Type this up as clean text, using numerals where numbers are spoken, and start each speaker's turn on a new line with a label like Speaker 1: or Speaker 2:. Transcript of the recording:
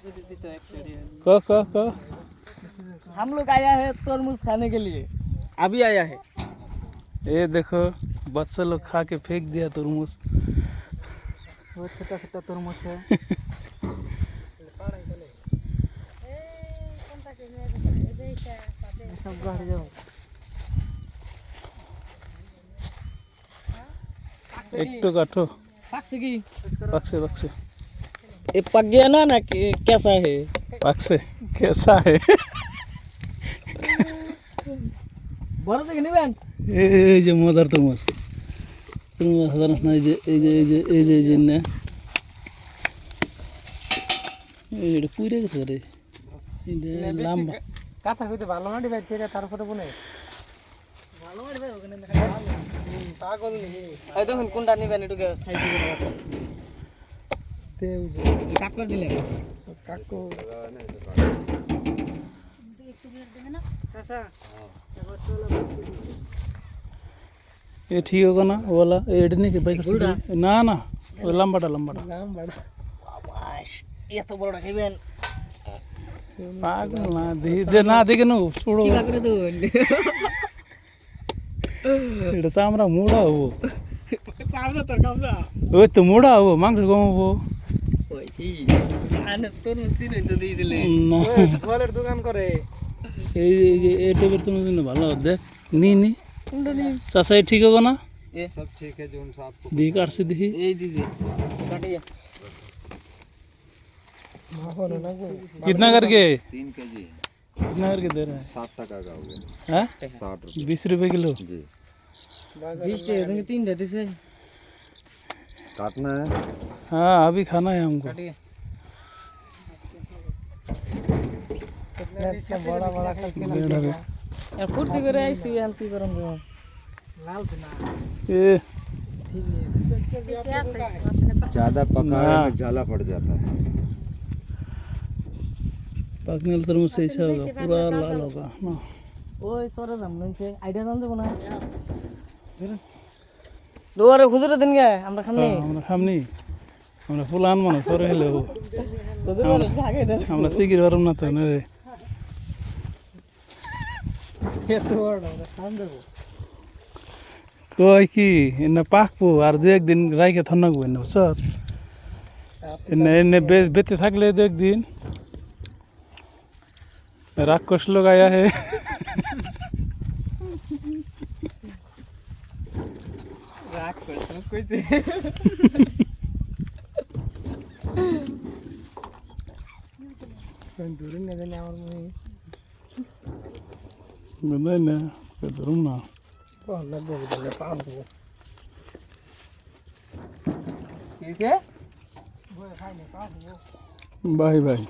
Speaker 1: क
Speaker 2: हम लोग आया है तरबूज खाने के लिए, अभी आया है।
Speaker 1: ये देखो बच्चा लोग खा के फेंक दिया तरबूज।
Speaker 2: वो छोटा छोटा तरबूज है। सब घर जाओ।
Speaker 1: एक तो काटो।
Speaker 2: पक्ष की
Speaker 1: पक्से पक्से
Speaker 2: ये पक गया ना कैसा है?
Speaker 1: पक्से कैसा है?
Speaker 2: बड़ा तो नहीं बहन।
Speaker 1: এই যে মজার তরমুজ তরমুজ সাধারণ না এই যে না এটা পুড়ে গেছে রে এটা লম্বা
Speaker 2: কথা কইতে ভালো মাটি ভাই ফেরে তারপরে বনে ভালো মাটি ভাই ওখানে পাগল নেই। এই দেখুন কোনটা নিবেন একটু সাইজ করে আছে তে কাট করে দিলে কাকু একটু বের দেবে না চাচা এবার চলো
Speaker 1: ये ठीक होगा ना वो वाला एडने के भाई ना ना वो लंबाटा
Speaker 2: ये तो बड़ा खेबेन
Speaker 1: पागल ना दे ना देखे नो छोड़ो
Speaker 2: কি করে দেন
Speaker 1: এটা চামড়া মোড়া হবো
Speaker 2: চামড়া তোর কামড়া
Speaker 1: ওই তো মোড়া হবো মাংস কমাবো
Speaker 2: ওই কি আনে তোর মুসিন তো দিয়ে দিলে
Speaker 1: না
Speaker 2: ফলের দোকান করে
Speaker 1: এই যে এই টাইপের তুমি ভালো দেখ নি चाचा ठीक होगा ना?
Speaker 2: ये सब ठीक है जो आपको
Speaker 1: दी काट से दी
Speaker 2: ये दीजिए काटिए
Speaker 1: कितना करके
Speaker 3: 3 kg
Speaker 1: कितना करके दे रहे हैं?
Speaker 3: 60 टका का हो गया।
Speaker 1: हैं
Speaker 3: 60 रुपये
Speaker 1: 20 रुपए किलो
Speaker 3: जी।
Speaker 2: 20 टका 3 देते से
Speaker 3: काटना है?
Speaker 1: हाँ अभी खाना है हमको।
Speaker 2: काटिए कितना बड़ा बड़ा करके यार फुर्ती करे ऐसी हल्की गरम जो लाल ना
Speaker 1: ये
Speaker 2: ठीक है
Speaker 3: ज़्यादा पकाने में जाला पड़ जाता है।
Speaker 1: पकने वाला तरमुज से ऐसा होगा पूरा लाल होगा ना।
Speaker 2: ओए सोरे हमने से आइडिया जान दे बना दोबारा खुजरे दिन गया আমরা খামনি
Speaker 1: আমরা খামনি আমরা ফুলান মানে সরে হলে ও
Speaker 2: খুজরে আগে দে
Speaker 1: আমরা সিগির বারম না তো রে
Speaker 2: ये तो बड़ा खान दे
Speaker 1: কই কি এনে পাকবো আর দু একদিন রাইকে থাকবো এনে স্যার এনে এনে বেতে থাকলে দু একদিন রাক্ষস লোক আয়া হে
Speaker 2: राख कर सब कइते कोन दूर ने जाने আমার মনে
Speaker 1: বুঝলেন না ধরুন না
Speaker 2: ভালো বলে পাবো কিসে বই খাইলে পাবো
Speaker 1: বাই বাই